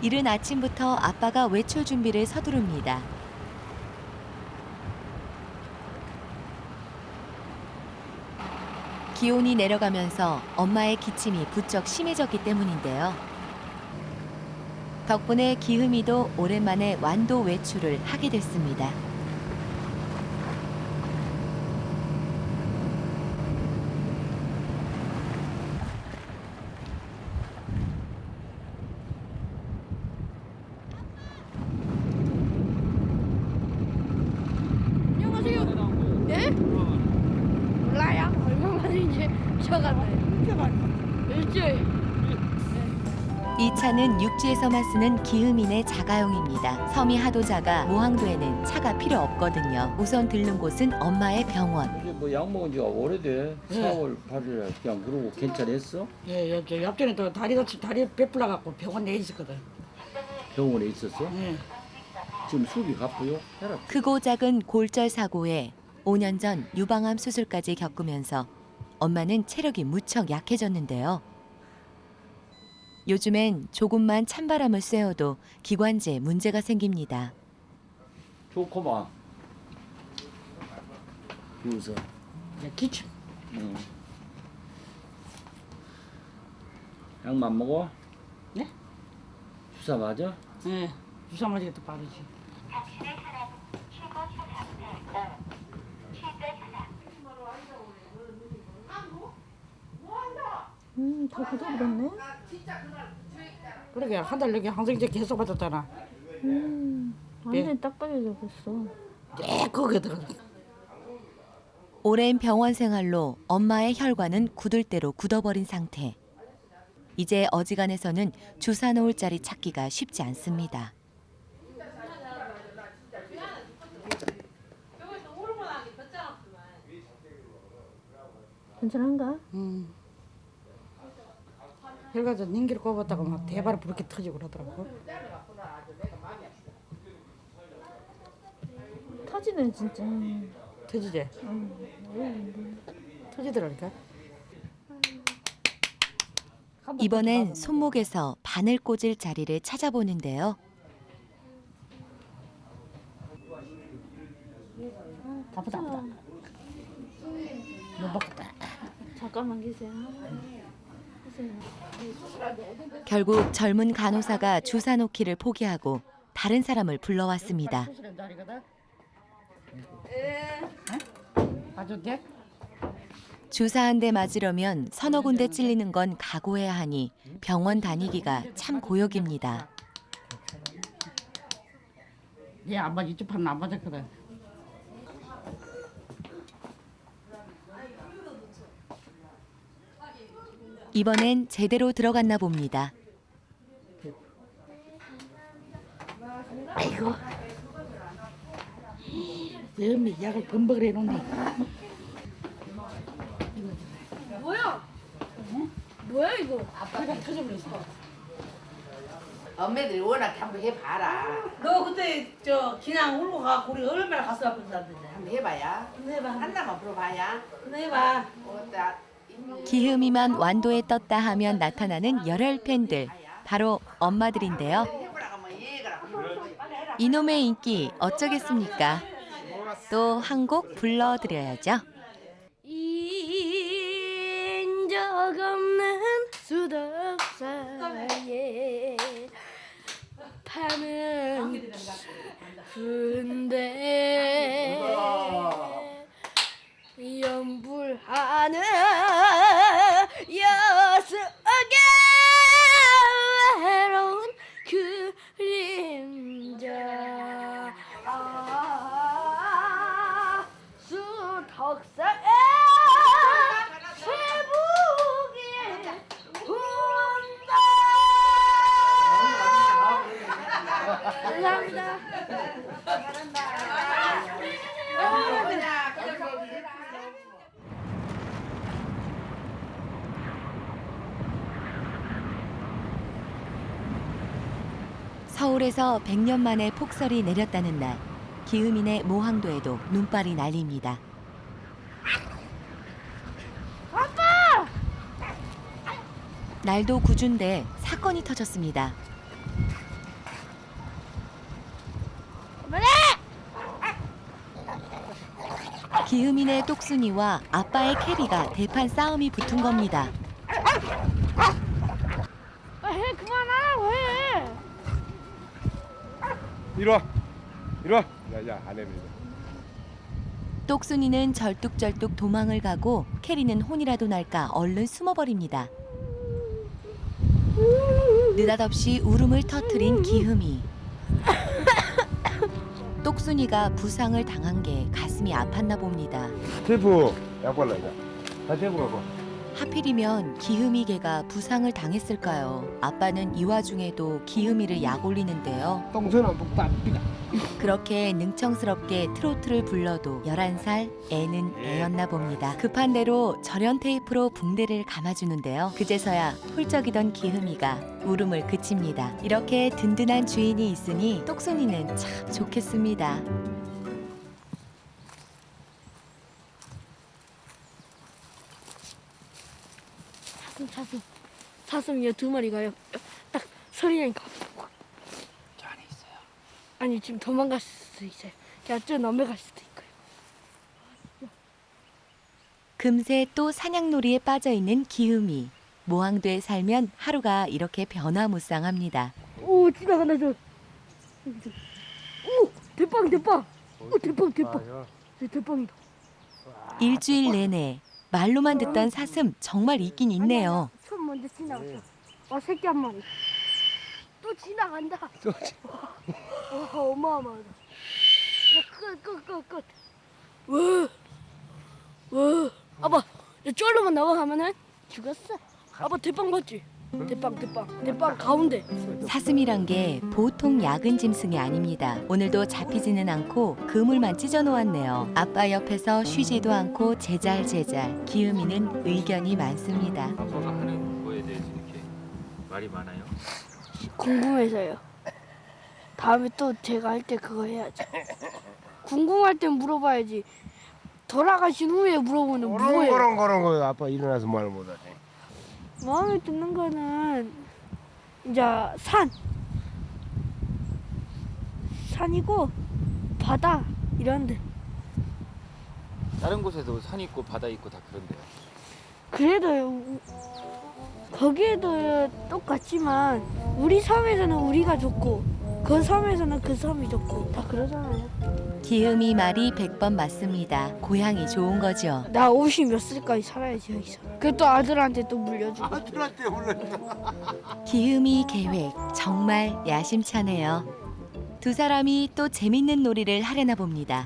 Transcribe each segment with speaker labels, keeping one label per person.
Speaker 1: 이른 아침부터 아빠가 외출 준비를 서두릅니다. 기온이 내려가면서 엄마의 기침이 부쩍 심해졌기 때문인데요. 덕분에 기흠이도 오랜만에 완도 외출을 하게 됐습니다.
Speaker 2: 안녕하세요. 네? 몰라요. 얼마만인지 잊어갔네. 일주일.
Speaker 1: 이 차는 육지에서만 쓰는 기흠인의 자가용입니다. 섬이 하도 작아 모항도에는 차가 필요 없거든요. 우선 들른 곳은 엄마의 병원.
Speaker 3: 이게 뭐 약 먹은 지가 오래돼.
Speaker 2: 네.
Speaker 3: 4월 8일에 그냥 그러고 괜찮았어?
Speaker 2: 예, 여기 옆전에 또 다리 베풀어 갖고 병원 내 있었거든.
Speaker 3: 병원에 있었어?
Speaker 2: 예.
Speaker 3: 지금 수비 갚고요? 해라.
Speaker 1: 크고 작은 골절 사고에 5년 전 유방암 수술까지 겪으면서 엄마는 체력이 무척 약해졌는데요. 요즘엔 조금만 찬바람을 쐬어도 기관지에 문제가 생깁니다.
Speaker 3: 좋구만. 비웃어.
Speaker 2: 예, 기침.
Speaker 3: 응. 약만 먹어?
Speaker 2: 네?
Speaker 3: 주사 맞아?
Speaker 2: 예. 주사 맞으게 또 빠르지.
Speaker 4: 다 굳어버렸네.
Speaker 2: 그러게 한 달 여기 항생제 계속 받았잖아.
Speaker 4: 완전히 딱 떨어져 버렸어.
Speaker 2: 네, 그거 들어가.
Speaker 1: 오랜 병원 생활로 엄마의 혈관은 굳을 대로 굳어버린 상태. 이제 어지간해서는 주사 놓을 자리 찾기가 쉽지 않습니다.
Speaker 4: 괜찮은가?
Speaker 2: 혈관에서 닌기를 꼽았다가 막 대바로 부렇게 터지고 그러더라고.
Speaker 4: 터지네 진짜.
Speaker 2: 터지지? 터지더라니까.
Speaker 1: 이번엔 손목에서 바늘 꽂을 자리를 찾아보는데요.
Speaker 2: 아프다. 못 먹겠다.
Speaker 4: 잠깐만 계세요.
Speaker 1: 결국 젊은 간호사가 주사 놓기를 포기하고 다른 사람을 불러왔습니다.
Speaker 2: 수술한 자리거든. 봐도 돼?
Speaker 1: 주사 한 대 맞으려면 서너 군데 찔리는 건 각오해야 하니 병원 다니기가 참 고역입니다.
Speaker 2: 얘 안 맞아. 이쪽 판은 안 맞았거든.
Speaker 1: 이번엔 제대로 들어갔나 봅니다.
Speaker 2: 아이고. 너미 약을 범벅을 해놓네.
Speaker 4: 뭐야 이거?
Speaker 2: 아빠가 터져버렸어.
Speaker 5: 엄매들이 워낙 한번 해봐라.
Speaker 6: 너 그때 저 그냥 울고 가고 우리 얼마나 가슴 아픈다던데.
Speaker 5: 한번 해봐야.
Speaker 6: 한번 해봐.
Speaker 5: 한나만 불어봐야.
Speaker 6: 한번 해봐.
Speaker 5: 어따
Speaker 1: 기흠이만 완도에 떴다 하면 나타나는 열혈 팬들, 바로 엄마들인데요.
Speaker 5: 해보라고 하면 얘가
Speaker 1: 이놈의 인기 어쩌겠습니까? 또 한 곡 불러드려야죠.
Speaker 4: 인적 없는 수덕사에 파는 군대 연불하는 여수의 외로운 그림자 수덕사에 새북이 운다. 감사합니다.
Speaker 1: 서울에서 100년 만에 폭설이 내렸다는 날, 기흠인의 모항도에도 눈발이 날립니다. 날도 구준데 사건이 터졌습니다. 기흠이네 똑순이와 아빠의 캐리가 대판 싸움이 붙은 겁니다.
Speaker 4: 해 그만하라고 해.
Speaker 7: 이리 와. 이리 와. 야, 안 해.
Speaker 1: 똑순이는 절뚝절뚝 도망을 가고 캐리는 혼이라도 날까 얼른 숨어버립니다. 느닷없이 울음을 터뜨린 기흠이. 똑순이가 부상을 당한 게 가슴이 아팠나 봅니다.
Speaker 7: 테이프 약 발라 이제. 다 테이프 갖고.
Speaker 1: 하필이면 기흠이 개가 부상을 당했을까요? 아빠는 이 와중에도 기흠이를 약 올리는데요.
Speaker 7: 똥손은 북다 삐가.
Speaker 1: 그렇게 능청스럽게 트로트를 불러도 11살 애는 애였나 봅니다. 급한 대로 절연 테이프로 붕대를 감아주는데요. 그제서야 훌쩍이던 기흠이가 울음을 그칩니다. 이렇게 든든한 주인이 있으니 똑순이는 참 좋겠습니다.
Speaker 4: 사슴이요 2마리가요. 딱 소리니까.
Speaker 5: 저 안에 있어요.
Speaker 4: 아니 지금 도망갈 수도 있어요. 저 넘어갈 수도 있고요.
Speaker 1: 금세 또 사냥놀이에 빠져있는 기흠이. 모항도에 살면 하루가 이렇게 변화무쌍합니다.
Speaker 4: 오 지나간다 저. 오 대빵 대빵. 오 대빵 대빵. 네, 대빵이다.
Speaker 1: 일주일 내내 말로만 듣던 사슴 정말 있긴 있네요.
Speaker 4: 처음 먼저 지나갔어. 와 새끼 한 마리. 또 지나간다. 와 어마어마하다. 끝. 왜? 아빠 쫄로만 넘어가면은 죽었어. 아빠 대빵 봤지? 대빵 가운데.
Speaker 1: 사슴이란 게 보통 약은 짐승이 아닙니다. 오늘도 잡히지는 않고 그물만 찢어 놓았네요. 아빠 옆에서 쉬지도 않고 제잘 기흠이는 의견이 많습니다.
Speaker 8: 아빠가 하는 거에 대해서 이렇게 말이 많아요?
Speaker 4: 궁금해서요. 다음에 또 제가 할 때 그거 해야죠. 궁금할 땐 물어봐야지. 돌아가신 후에 물어보는 뭐예요?
Speaker 7: 그런 거 아빠 일어나서 말 못하지.
Speaker 4: 마음에 드는 거는 이제 산이고 바다 이런데.
Speaker 8: 다른 곳에도 산 있고 바다 있고 다 그런데요.
Speaker 4: 그래도 거기에도 똑같지만 우리 섬에서는 우리가 좋고 그 섬에서는 그 섬이 좋고 다 그러잖아요.
Speaker 1: 기흠이 말이 100번 맞습니다. 고향이 좋은 거죠.
Speaker 4: 나 50몇 살까지 살아야지 여기서. 그또 아들한테 또 물려주고.
Speaker 7: 아들한테 올렸다.
Speaker 1: 기흠이 계획 정말 야심차네요. 두 사람이 또 재밌는 놀이를 하려나 봅니다.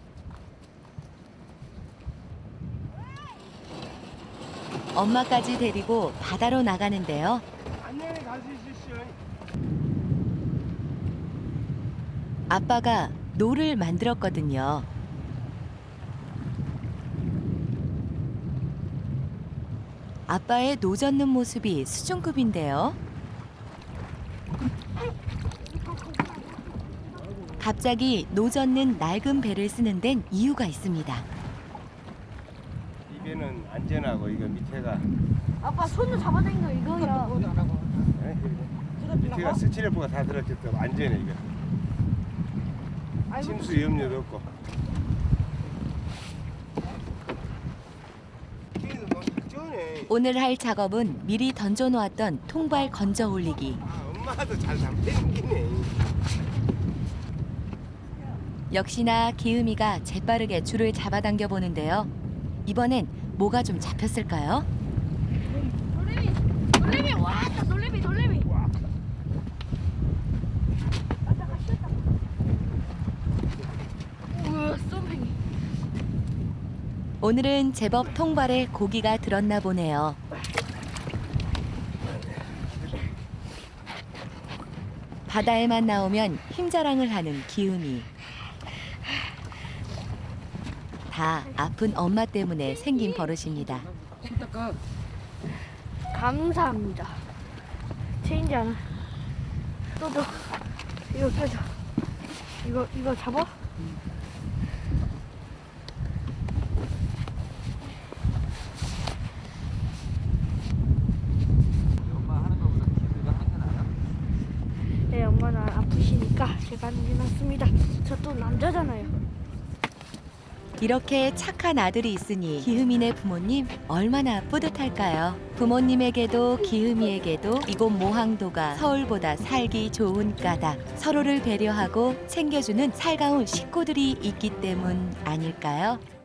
Speaker 1: 엄마까지 데리고 바다로 나가는데요.
Speaker 7: 안녕히 갈 수 있으시오.
Speaker 1: 아빠가 노를 만들었거든요. 아빠의 노 젓는 모습이 수준급인데요. 갑자기 노 젓는 낡은 배를 쓰는 데는 이유가 있습니다.
Speaker 7: 이 배는 안전하고 이거 밑에가
Speaker 4: 아빠 손으로 잡아당긴 거 이거야.
Speaker 7: 밑에가 스티로프가 다 들었기 때문에 안전해 이거. 침수 염려도 없고.
Speaker 1: 오늘 할 작업은 미리 던져놓았던 통발 건져 올리기.
Speaker 7: 엄마도 잘 잡히네.
Speaker 1: 역시나 기흠이가 재빠르게 줄을 잡아당겨 보는데요. 이번엔 뭐가 좀 잡혔을까요?
Speaker 4: 놀래미 왔다 놀래미. 우와 쏨팽이.
Speaker 1: 오늘은 제법 통발에 고기가 들었나 보네요. 바다에만 나오면 힘자랑을 하는 기흠이. 다 아픈 엄마 때문에 생긴 버릇입니다.
Speaker 4: 감사합니다. 체인지하는. 또 이거 껴줘. 이거 잡아?
Speaker 8: 엄마 하는 거보다 기회가 하는 게 나아요?
Speaker 4: 네, 엄마는 아프시니까 제가 하는 게 낫습니다. 저 또 남자잖아요.
Speaker 1: 이렇게 착한 아들이 있으니 기흠이네 부모님 얼마나 뿌듯할까요? 부모님에게도 기흠이에게도 이곳 모항도가 서울보다 살기 좋은 까닭, 서로를 배려하고 챙겨주는 살가운 식구들이 있기 때문 아닐까요?